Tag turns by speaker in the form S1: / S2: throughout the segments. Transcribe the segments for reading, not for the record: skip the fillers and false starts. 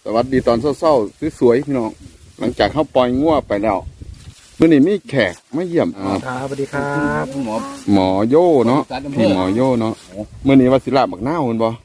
S1: วัสดีตอนเศร้าๆสวยๆพี่น้องหลังจากเข้าปล่อยงัวไปแล้วเมื่อนี้มีแขกมาเยี่ยม
S2: ครับสวัสดีครับ
S1: หมอโย่เนาะพี่หมอโย่เนาะเมื่อนี้ว่าศิลาบักหน้าคุณบ่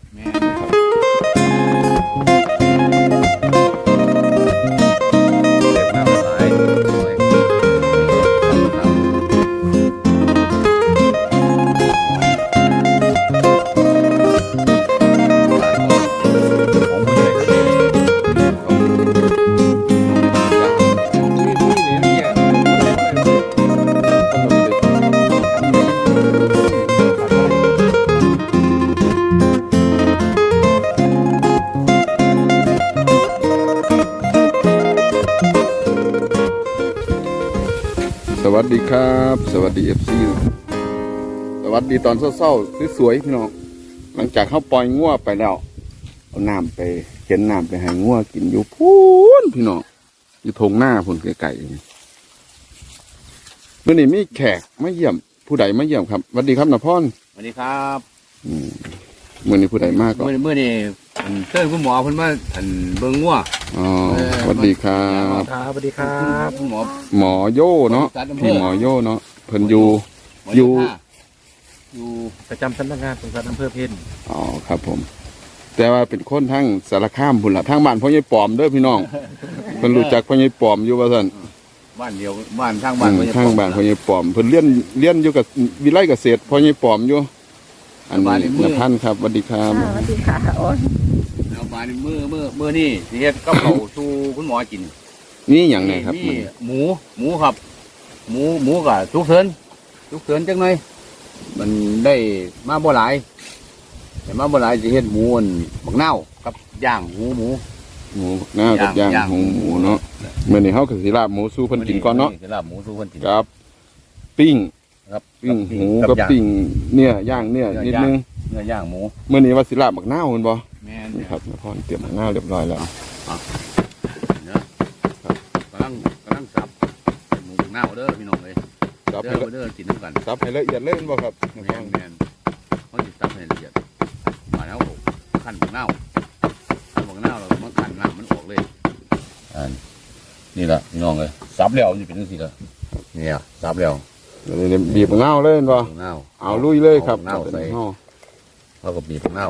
S1: สวัสดีครับสวัสดีFCสวัสดีตอนเศร้าๆสวยๆพี่น้องหลังจากเข้าปล่อยงัวไปแล้วเอาน้ำไปเข็นน้ำไปให้งัวกินอยู่พูนพี่น้องอยู่ทงหน้าพุ่นไก่เมื่อนี้มีแขกมาเยี่ยมผู้ใดมาเยี่ยมครับสวัสดีครับนพร
S2: สวัสดีครับ
S1: เมื่อนี้ผู้ใดมากก็
S2: เมื่อนี้เชิญคุณหมอเพิ่นมาเบิ่งงัว
S1: อ๋อสวัสดีครับ
S2: สวัสดีครับคุณห
S1: มอโย่เนาะพี่หมอโย่เนาะเพิ่นอยู่
S2: ประจำสำนักงานสงสารอำเภอเพ็ญ
S1: อ๋อครับผมแต่ว่าเป็นคนทั้งสารคามพุ่นละทั้งบ้านพ่อใหญ่ปอมเด้อพี่น้องเพิ่นรู้จักพ่อใหญ่ปอมอยู่ว่าซั่น
S2: บ้านเดียวบ้านทางบ้านพ่อใหญ่
S1: ปอมเพิ่นเรียนอยู่กับวิไลเกษตรพ่อใหญ่ปอมอยู่อันนี้นภันครับสวัสดีครับ
S3: สวัสดีค่ะโอ้ย
S2: เอามาเมื่อนี่สิเฮ็ดกับข้าวสู่คุณหมอกิน
S1: นี่อย่างไรครับ
S2: หมูครับหมูกับทุกเถินจังหน่อยมันได้มาบ่หลายแต่มาบ่หลายสิเฮ็ดหมูบักนาวกับย่างหมู
S1: บักนาวกับย่างหมูเนาะมื้อนี้เฮาก็สิลาบหมูสู่เพิ่นกินก่อนเนาะ
S2: สิลาบหมูสู่เพิ่นกิน
S1: ครับปิ้งหมูกับปิ้งเนี่ยย่างเนี่ยนิดนึง
S2: เนื้อย่างหมู
S1: เมื่อนี้ว่าสิลาบบักนาวเห็นบ่
S2: แม่น
S1: ครับนพรเตรียมบักนาวเรียบร้อยแล้ว
S2: เนาะกำลังสับหมูบักนาวเด้อพี่น้องเอ้ยสับให้เด้อกินน้ำกัน
S1: สับให้ละเอียดเลยบ่ครับ
S2: แม่นเขาสิสับให้ละเอียดมาแล้วขั้นบักนาวเรามาขั้นน้ำมันออกเลยนี่ละพี่น้องเอ้ยสับแล้วมันจะเป็นจังซี่ล่ะเนี่ยสับแล้ว
S1: บีบเงาเลยบ่เอาลุยเลยครับ
S2: เงาใส่เราก็บีบเงา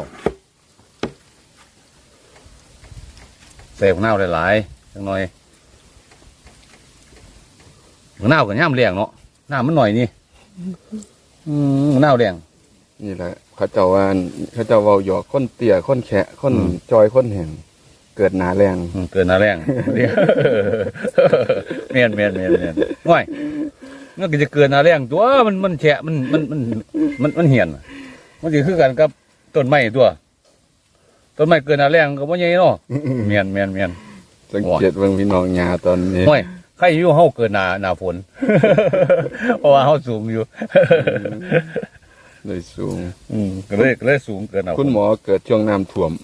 S2: ใส่เงาหลายๆจังหน่อยเงากับย่ำแรงเนาะน้ำมันหน่อยนี่เงาแรง
S1: นี่แหละเขาเจ้าว่าหยอกคนเตี่ยคนแฉะคนจอยคนแห่งเกิดหนาแรง
S2: เมียนง่อยมันก็จะเกินหนาแรงตัวมันแฉะมันเหี่ยนมันจะคือกันกับต้นไม้ตัวต้นไม้เกินหนาแรงก็บ่ใหญ่เนาะเมียน
S1: สังเกตว่าพี่น้องหญ้าตอนนี้
S2: ง่อยใครอยู่เฮาเกินหนาฝนเพราะว่าเฮาสูงอยู่
S1: เลยสูง
S2: ก็เลยสูงเกิน
S1: คุณหมอเกิดช่วงน้ำท่วม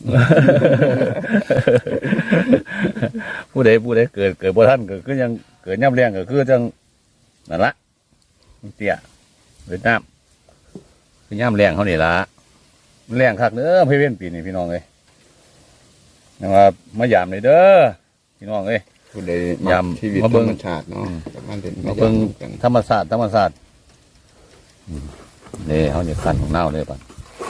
S2: ผู้ใดเกิดบ่ทันก็คือยังเกิดย่ำแรงก็คือจังนั่นละเตี้ยเวียดนามคือย่ำแรงเขานี่ละมันแรงคักเด้อพี่เว้นปีนี้พี่น้องเลยนะครับมายามเลยเด้อพี่น้องเลย
S1: ผู้ใดยามชีวิตธรรมชาติเนาะ
S2: มาเบิ่งธรรมศาสตร์นี่เขาเนี่ยขั้นของเน่าเลยป่ะ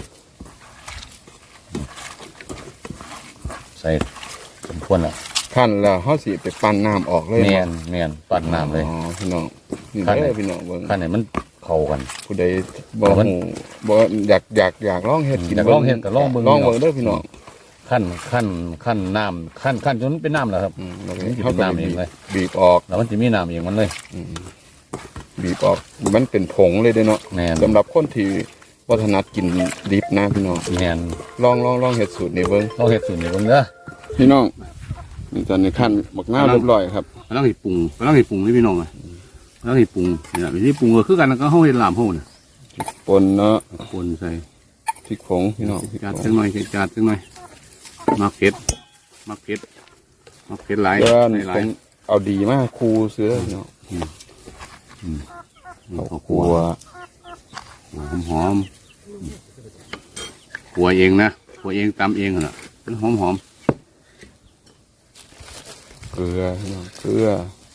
S2: ใส่สมควรละ
S1: ขั้นแล้วเขาสิไปปั่นน้ำออกเลย
S2: แมนปั่นน้ำเลย
S1: อ๋อพี่น้องนี่ได้พี่น้องเบิ่ง
S2: ขั้นไหนมันเข้ากัน
S1: ผู้ใดบ่อยากลองเห็ดกิน
S2: ลองเห็ดกับลองเบิ่ง
S1: เด้อพี่น้อง
S2: ขั้นน้ำขั้นจนเป็นน้ำแล้วครับ
S1: เขาเป็นน้ำเองเลยบีบออก
S2: แล้วมันจะมีน้ำเองมันเลย
S1: บีบออกมันเป็นผงเลยเด้เนาะสำหรับคนที่วัฒนธรรมกินดิบนะพี่น้องลองเห็ดสูตรนี้เบิ่ง
S2: ลองเห็ดสูตรนี้เบิ่งเด้อ
S1: พี่น้องนี่ตอนนี้ขั้นหมักหน้าเรียบร้อยครับ
S2: ต้องเห็ดปรุงนี่พี่น้องเลยต้องเห็ดปรุงเนี่ยวิธีปรุงก็คือกันแล้วก็เขาเห็ดลามเขาเนี่ย
S1: ปนเนาะ
S2: ปนใส่
S1: พริกผงพี่น้อง
S2: จัดจังหน่อยมักเผ็ดหลาย
S1: เอาดีมากคูเสือเนาะ
S2: ขัวหอมขัวเองนะขัวเองตำเองเหรอเป็นหอม
S1: ลือพี่น้องเกลือ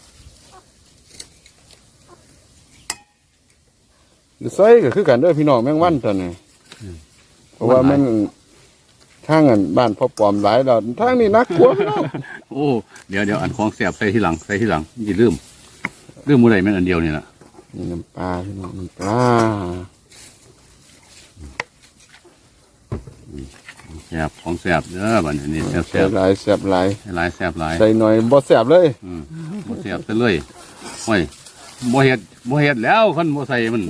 S1: ใส่ก็คือกันเด้อพี่น้องแมงวันตัวนี้เพราะว่ามันทางอันบ้านพ่อปอมหลายแล้วทางนี้นักกลัวพี่น้อง
S2: โอ้เดี๋ยวอันของแสบใส่ที่หลังอย่าลืมมื้อใดแม่นอันเดียวนี่ล่ะ
S1: นี่น้ำปลาพี่น้องน้ำปลา
S2: แสบของแสบเด้อบัดนี้แสบ
S1: แซ่บหลายแซ่บหลาย
S2: หลายแสบหลาย
S1: ใส่หน่อยบ่แซ่บเลย
S2: บ่แสบซะเลยโอ้ยบ่เฮ็ดแล้วคันบ่ใส่มัน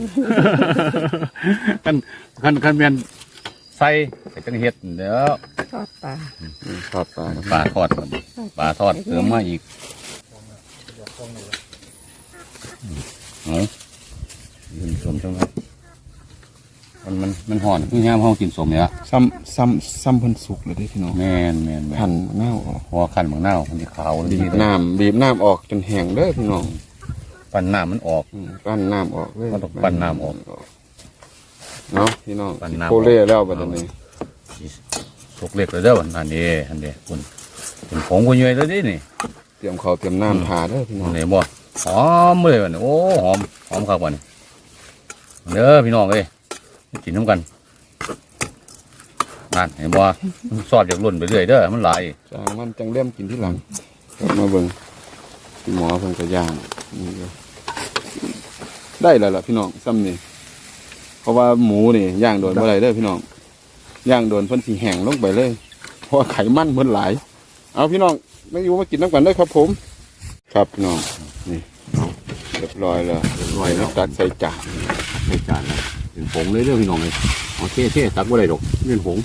S2: คันแม่นใส่ก็จังเฮ็ดเด้อ
S3: ทอดปลา
S1: ทอดปลา
S2: ปลาทอดก่อนปลาทอดเติมมาอีกเอากินสมใช่ไหมมันห่อนคือยามเฮากินสมเนี่ย
S1: ซ้ำเพิ่นสุกเลยเด้อพี่น้อง
S2: แม่น
S1: หั่นแนวออก
S2: พอขันบางเน่ามันจะขาว
S1: บีบน้ำออกจนแห้งเด้อพี่น้อง
S2: ปั่นน้ำมันออก
S1: ปั้นน้ำออกเลย
S2: มันต้องปั้นน้ำออก
S1: เนาะพี่น้อง
S2: ปั้นน้ำออก
S1: โคเล่แล้วบัดนี้
S2: สุกเล็กเลยเด้อวันอันนี้คุณเป็นผงกุยเลยเลยนี่
S1: เตรียมข้าวเตรียมน้ำทาเด้อพี่น้อง
S2: นี่บ่หอมเลยวันนี้โอ้หอมครับวันนี้เด้อพี่น้องเอ้ยกินน้ำกันนั่นเห็นบ่มันซอดจากรุ่นไปเรื่อยเด้อมันหลาย
S1: จางมันจังเล่มกินที่หลังกลับมาเบิ่งพี่หมอเพิ่นก็ย่างนี่เลยได้แล้วล่ะพี่น้องซ้ำนี่เพราะว่าหมูนี่ย่างโดนบ่ได้เด้อพี่น้องย่างโดนเพิ่นสิแห้งลงไปเลยเพราะว่าไขมันเพิ่นหลายเอาพี่น้องไม่อยู่มากินน้ำกันเด้อครับผม ครับพี่น้องนี่เอาเรียบร้อยแล้วแล้วตักใส่จาน
S2: ในจานนะเป็นผงเลยเด้อพี่น้องเลยโอเคตักบ่ได้ดอกเป็นผง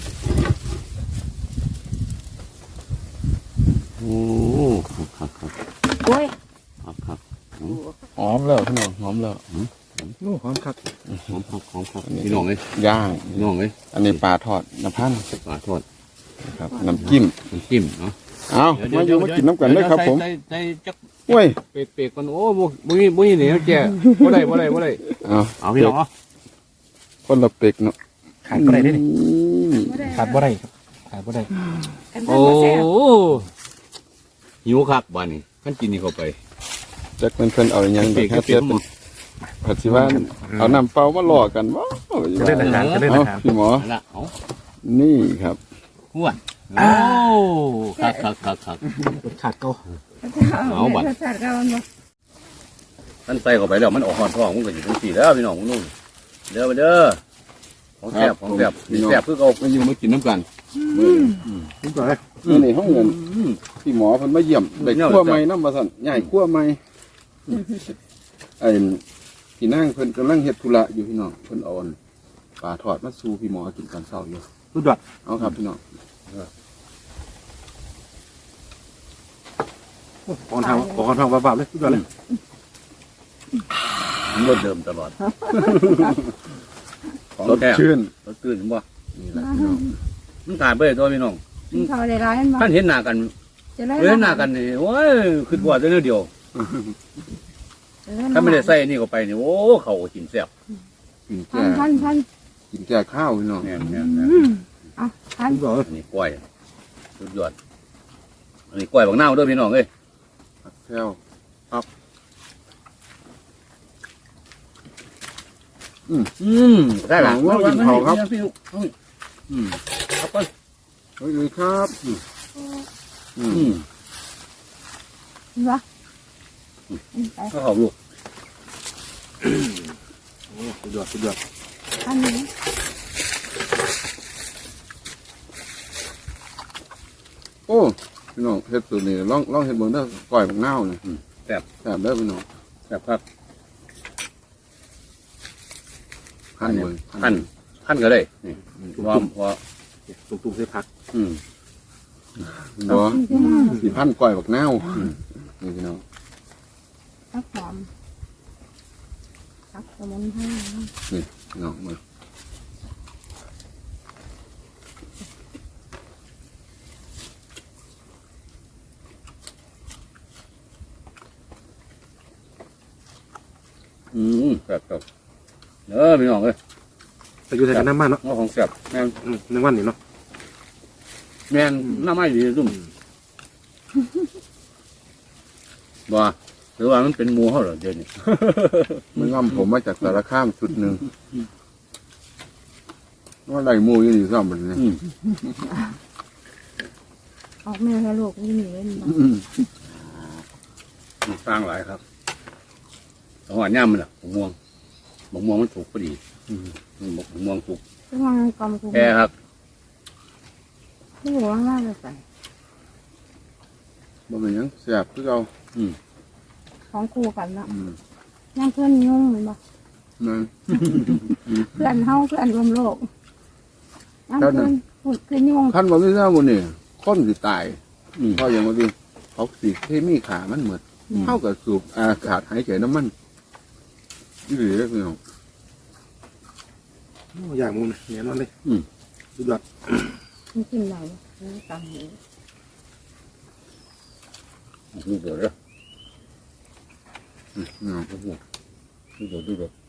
S2: โอ้ครับ
S3: โอ้ย
S1: หอมแล้วพี่น้องหอมแล้ว
S3: ลูกหอมครับ
S2: หอมครับพี่น้องเลย
S1: ย่าง
S2: พี่น้องเลย
S1: อันนี้ปลาทอดน้ำพันธุ์
S2: ปลาทอด
S1: นะครับน้ำจิ้ม
S2: น้ำจิ้มเนาะ
S1: เอามาอยู่มากินน้ำกันเลยครับผม
S2: ใส่จัก
S1: เว้ย
S2: เปกๆกันโอ้บ่มีเหนียวแก่บ่ได้
S1: เอา
S2: เอาพี่น้องเนาะ
S1: คนละเป็กเนาะ
S3: ขาดบ่ได้เด้นี่
S1: อืม
S3: ขาดบ่ได้ครับขาดบ่ได้
S2: โอ้หิวคักบ้านนี้ขั้นกินนี่เข้าไป
S1: จักเพิ่นเอาอย่างเด็กฮะเสียเป็นผัดสิว่าเอาน้ำเปล่ามาหลอกกันว้าว
S3: จะเล่นอาหารจะเล่น
S1: เอา
S3: อาหาร
S1: พี่หมอ
S2: ละเอา
S1: นี่ครับ
S2: อ้วนโอ้คัก
S3: ขาดเก่า
S2: เอาบัดท่านใส่เข้าไปแล้วมันออกหอนท้องมันก็อยู่ทั้งสี่แล้วพี่น้องมึงนู่นเด้อไปเด้อของแซ่บนี่แซ่บคือเก่า
S1: มาอยู่มากินน้ำกัน
S3: นี่ก่อนเลย
S1: นี่ห้องเงินพี่หมอเพิ่นมาเยี่ยมได้ขั้วใหม่น้ำมาสั่นใหญ่ขั้วใหม่ไอ้พี่นางเพิ่นกำลังเฮ็ดธุระอยู่พี่น้องเพิ่นเอาปลาทอดมาสู่พี่หมอกินตอนเช้าอยู่
S3: สุดยอด
S1: เอาครับพี่น้อง
S3: ขอทางบาบๆเลยสุดยอดเลย
S2: มันรสเดิมตลอดของ
S1: สด
S2: แท้
S1: ชื่น
S2: รสตื่นบ่
S1: นี่แหละพี่น้อง
S2: มันขาดไปตัวพี่น้อง
S4: เขาได้ร้ายมันบ่
S2: ท่านเห็นหน้ากัน
S4: จะได้
S2: เห็นหน้ากันนี่โอ้ยคือว่าจะเนื้อเดียวถ้าไม่ได้ใส่นี่เข้าไปนี่โอ้เขาก็กินแซ่บ
S1: กิน
S4: พั
S1: แก่
S4: นพัน
S1: กินแก่ข้าวพี่น้อง
S2: แม่น
S4: เอาพัน
S3: สุดยอดเลย
S2: อันนี้กล้วยสุดยอดอันนี้กล้วยบางหน้าวเด้วยพี่น้องเอ้ย
S1: ผักแก้ว
S2: ได้หลัง
S1: ว่ากินเผาครับ
S2: ครับ
S1: เฮ้ยเลยครับอืม
S4: วะไป
S2: ก็เขาลูก
S3: สุดยอด
S4: พันนี้
S1: โอ้พี่น้องเฮ็ดสูตรนี่ลองเฮ็ดเบิ่งเด้อก้อยบักนาวนี่แซ่บเด้อพี่น้อง
S2: แซ่บครับ
S1: หั่นเบิ่ง
S2: ขั้นก็ได้นี่พอ
S3: ตุ้มๆใส่ผัก
S1: บ่สิพันก้อยบักนาวนี่พี่น้อง
S4: ตักหอมตักสมุนไพร
S1: พี่น้องมา
S2: ครับพี่น้องเอ้ย
S3: ไปอยู่ใส่กันน้ำมันเนาะ
S2: ของแซ่บแม่น
S3: ในวันนี้เนาะ
S2: แม่นหน้าไม้ดีซุ่มบ่หรือว่ามันเป็นหมูเขาเหรอเดี๋ยวนี้
S1: มันง่ำผมมาจากสารคามชุดหนึ่งว่าไรหมูอยู่นี่ซ่อมมันเนี่ย
S4: ออกแม่ให้ลูกนี่เล่นมา
S2: สร้างหลายครับแต่ว่าย่ำมันล่ะบกม่วงมันสุกพอดีบกม่วงสุก
S4: ที่ว่ากำกู
S2: แค่ครับ
S4: ที่หัวว่าจะใส่
S1: บ่เป็นหยังแสบคือเอา
S4: ของครูกันละ
S1: อืม
S4: ยังเพื่อนยุ่งเลยบ่
S1: นั่น
S4: เพื่อนเฮาเพื่อนรวมโลกยังเพื่อนพูดเพื่อนยุ่ง
S1: ขั้นว่าไม่ทราบวันนี้คนสิตาย
S2: อืม
S1: เพราะอย่างว่าที่เขาสีเคมีขามันเหมือนเท่ากับสูบอากาศหายใจน้ำมันนี่หรือเปล่า
S3: โอ้อย่างมุมเนี่ยเนี่ยนอนเลยสุดยอด
S4: มันกินอะไรนี่ตำนี้
S2: ดูเดือดเลย
S1: เนาะ
S2: ดูเดือด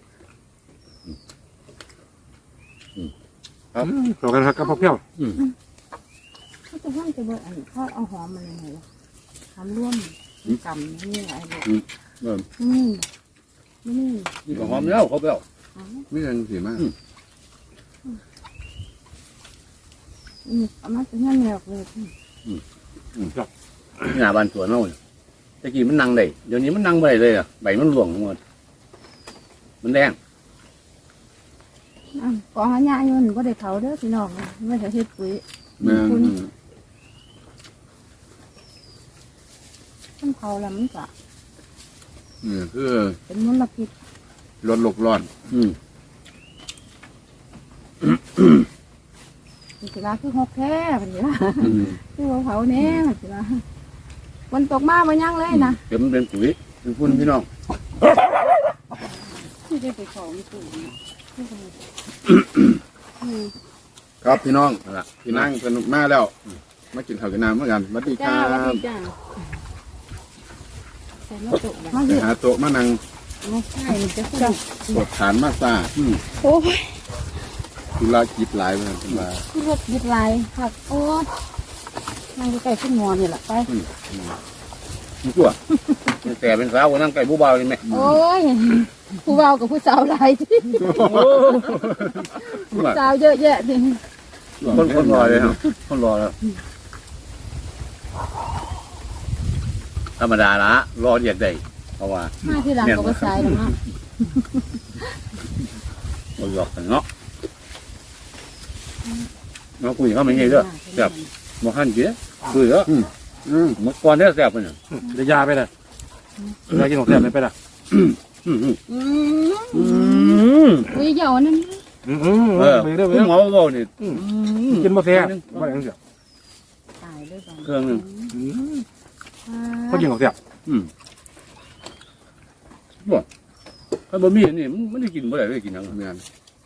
S3: ต่อกันครับกับพ่อเพี้ยว
S4: เขาจะว่างจะเบอร์อันเขาเอาหอมมาเลยไงล่ะทำร่วมกำนี่อะไรแบบ
S1: เริ่ม
S4: นี่
S2: นี่ก็หอมแล้วเขาเปรี้ยว
S1: ไม่ยังสีมาก
S4: เอามาเป็นเงี้ยแนวเลย
S2: นี่หน้าบ้านสวนเราเนี่ยตะกี้มันนั่งได้เดี๋ยวนี้มันนั่งไม่ได้เลยอ่ะใบมันหลวงหมดมันแดง
S4: กองหญ้าอยู่หนูก็ได้เผาเด้อพี่น้องไม่ได้เฮ็ดปุ๋ย
S1: แม่น
S4: ต้องเผาแล้วมันจะ
S1: นี่คือ
S4: เป็นมลพิษ
S1: ลดโลกร้อน
S4: มันสิว่าคือหกแท้มันสิว่าคือว่าเผาแน่มันสิว่าวันตกมาบ่ยังเลยนะ
S2: เดี๋ยวมันเป็นปุ๋ยเป็นฝุ่นพี่น้อง
S4: ที่ได้ไปของปุ๋ย
S1: ครับพี่น้อง
S2: นั่นล่ะ
S1: พี่นั่งสนุกมากแล้วมากินข้าวกินน้ำเหมือนกันสวัสดีค
S4: จ้า
S1: รั
S4: วั
S1: บ
S4: นจ้าแต่มาตกมา
S1: ไป
S4: เยอะ
S1: หาโต๊ะมานั่ง
S4: ใช่มันจะจัง
S1: ปวดฐานมาซา
S4: โอ้ย
S1: ธุระกิจหลายเหมือนกันมา
S4: คือรถยึดลายผักโอ้ยนั่งใกล้ๆขึ้นงอนนี่แหละไป
S2: มันชั่วแต่เป็นสาวนั่งไก่บูบาวเลยไหม
S4: โอ้ยผู้เบากับผู้สาวหลายที่ผู้สาวเยอะแยะดิ
S2: คนรอเลยครับคนรอแล้วธรรมดาละรอเรียกได้เพราะว่า
S4: มาที่หลังกับผู้ชายหรอกเนาะ
S2: เราหยอกกันเนาะเราคุยเขาไม่ใช่เด้อแซ่บมาหั่นเยอะคุยเยอะเมื่อก่อนเนี่ยแซ่บเนี่ย
S3: เดี๋ยวยาไปเลยยากินของแซ่บไม่ไปละ
S4: อุ้ยเหี่ยวนั่น
S3: ไปเรื่อย
S2: คุณหมอบอกนี่
S3: กินมาแซ่บว่าอย่างเดียว
S4: ตายเลยบ้าง
S2: เครื่องนึง
S3: เขากินของแซ่บ
S2: บอกถ้าบะหมี่นี่มันได้กินบ่ได้ได้กินยัง
S1: เมียน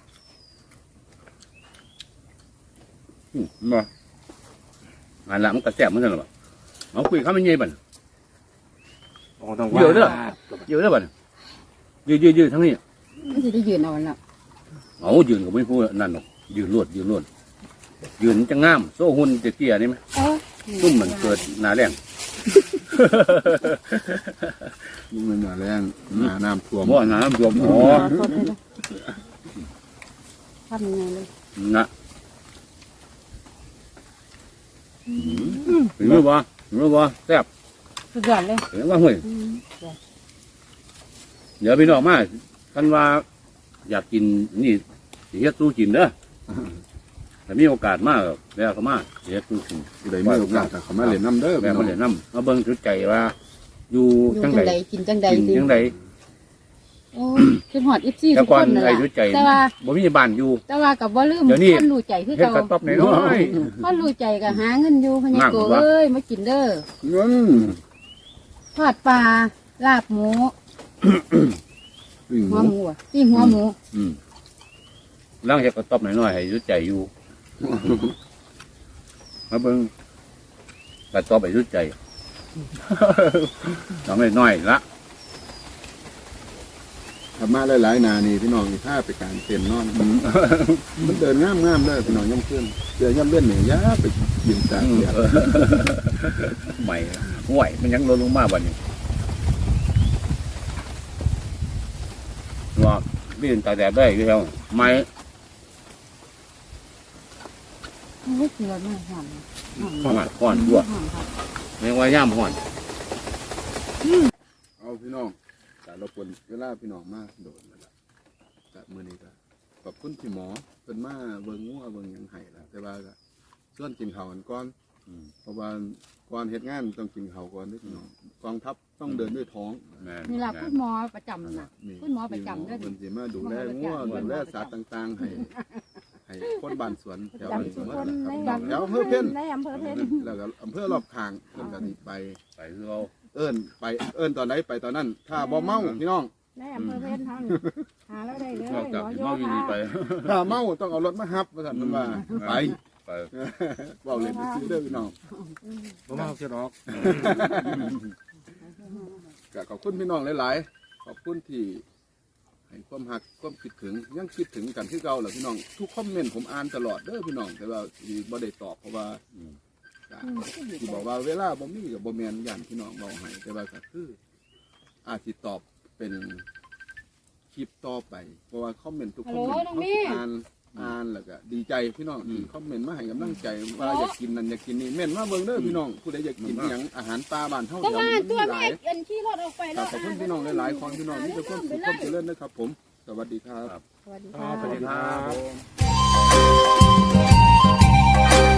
S2: มาอันละมันก็แซ่บเหมือนกันหรอเอาคุยเขาไม่เงี้ยบัน เยอะเด้อบันยืดทั้งนี้
S4: ไม่ใช่ได้ยืนเอาแล้ว
S2: เอายืนก็ไม่พูดนั่นหรอกยืนรวดยืนจะงามโซ่หุ่นเตี้ยๆนี่ไหมตุ้มมันเกิดหนาแรง
S1: มันมาแรงหน้าน้ำท่วม
S2: บ่หนาบวมอ๋อ
S4: ทำยังไงเลย
S2: นะเห็นไหมบ่แซ่บ
S4: สุดยอดเลย
S2: เห็นว่าห่วยเดี๋ยวพี่น้องมาท่านว่าอยากกินนี่สิเฮ็ดตู้กินเด้อถ้ามีโอกาสมากแล้วก็มาสิเฮ็ดตู้กิน
S1: ได้มีโอกาสเขามาเล่นน้ำเด้อ
S2: แม่มาเล่นน้ำมาเบิ่งจุดใจว่า อยู่จังใด
S4: กินจังใด
S2: กิน
S4: สิ
S2: จังใด
S4: โอ้ยคือหอดอีซี่
S2: แต่
S4: ทุก
S2: ก่อ
S4: คน นนั่นแห
S2: ไอ้
S4: ละ
S2: จุดใจ
S4: แต่ว่า
S2: บ่มีบ้านอยู่
S4: แต่ว่ากับว่าลืม
S2: เดี๋ยวนี้
S4: คนรู้ใจคือ
S2: เฮ็ด
S4: เก่าก
S2: ระต๊อบน้อย
S4: คนรู้ใจก็หาเงินอยู่พะยาโก
S2: นั่งวะ
S4: เอ้ยมากินเด้อ
S1: เงิน
S4: ทอดปลาลาบหมู
S1: วิ่งห
S4: หัว
S1: มู
S4: หมูอะปิ้งหัวหมู
S2: ๆแล้วเฮ็ดกระต๊อบน้อยๆให้จุดใจอยู่มาเบิ่งกระต๊อบให้จุดใจทำน้อยๆละ
S1: ทำมาหลายๆนานี่พี่น้องนี่ถ้าไปการเต้นนอนมันเดินงามๆเลยพี่น้องย่ำขึ้นเดี๋ยวย่ำเล่นเนี่ยยาไปยืนตากแดด
S2: ใหม่ห่วยมันยังลดลงมาบัดนี้ว่าพี่ตาแดดได้ที่เขาไม้
S4: ไม่เกลือไม่หอม
S2: ห่อนด้วย
S4: หอมครับ
S2: ไม่ว่าย่ำห่อน
S1: เอาพี่น้องแต่เราควรเวลาพี่น้องมาโดดแล้วล่ะแต่มื้อนี้ก็ขอบคุณพี่หมอเพิ่นมาเบิ่งงัวเบิ่งหยังให้ล่ะแต่ว่าก็ส่วนกินข้าวกันก่อนเพราะว่าก่อนเฮ็ดงานต้องกินข้าวก่อนเด้อพี่น้องกองทัพต้องเดินด้วยท้อง
S4: นี่ล่ะคุณหมอประจำน่ะ คุณหมอประจำเด้อ
S1: เพิ่นสิมาดูแลงัวดูแลสัตว์ต่างๆให้คนบ้านสวนแถวนี้หมดนะครับแถวอำเภอเพ็ญ
S4: ในอำเภอเพ็ญ
S1: แล้วก็อำเภอรอบข้างเพิ่นก็สิไป
S2: ไปคือเรา
S1: เอิ้นตอนไหนไปตอนนั้น ถ้าบ่เมาพี่น้อง
S4: ในอำเภอเพ็ญทั้งหาแล้วได้เลย
S2: นอกจาก
S4: หมอ
S2: ที่
S4: โย
S2: เมาอยู่
S4: ธา
S2: นี่ไป
S1: ถ้าเมาต้องเอารถมาฮับว่าซั่นเพิ่นว่าไป
S2: ไป
S1: เว้าเล่นซื่อๆเด้อพี่น้อง
S3: ผมมาเสียดอก
S1: ก็ขอบคุณพี่น้องหลายๆขอบคุณที่ให้ความหักความคิดถึงยังคิดถึงกันที่เก่าแหละพี่น้องทุกคอมเมนต์ผมอ่านตลอดเด้อพี่น้องแต่ว่าที่บ่ได้ตอบเพราะว่าที่บอกว่าเวลาบ่มีกับบ่แม่นย่านพี่น้องเว้าให้แต่ว่าก็คืออาจสิตอบเป็นคลิปต่อไปเพราะว่าคอมเมนต์ทุกคอมเมนต์เขาอ่านแล้วก็ดีใจพี่น้องที่คอมเมนต์มาให้กำลังใจว่าอยากกินนั่นอยากกินนี่เม่นมาเบิ่งเด้อพี่น้องผู้ใดอยากกินอหยังอาหารป่าบ้านเฮา
S4: ก็
S1: เดี๋ยว
S4: มา
S1: นี้
S4: ตัว
S1: มีห
S4: แม่
S1: ลาย
S4: เอ็นขี่รถออกไปแล้ว
S1: ขอบคุณพี่น้องหลายๆคนพี่น้องนี่จะความสุขความเจริญนะครับผม สวัสดีครับ
S4: สวัสดี
S3: สวัสดี
S4: ค่ะ
S3: ครับ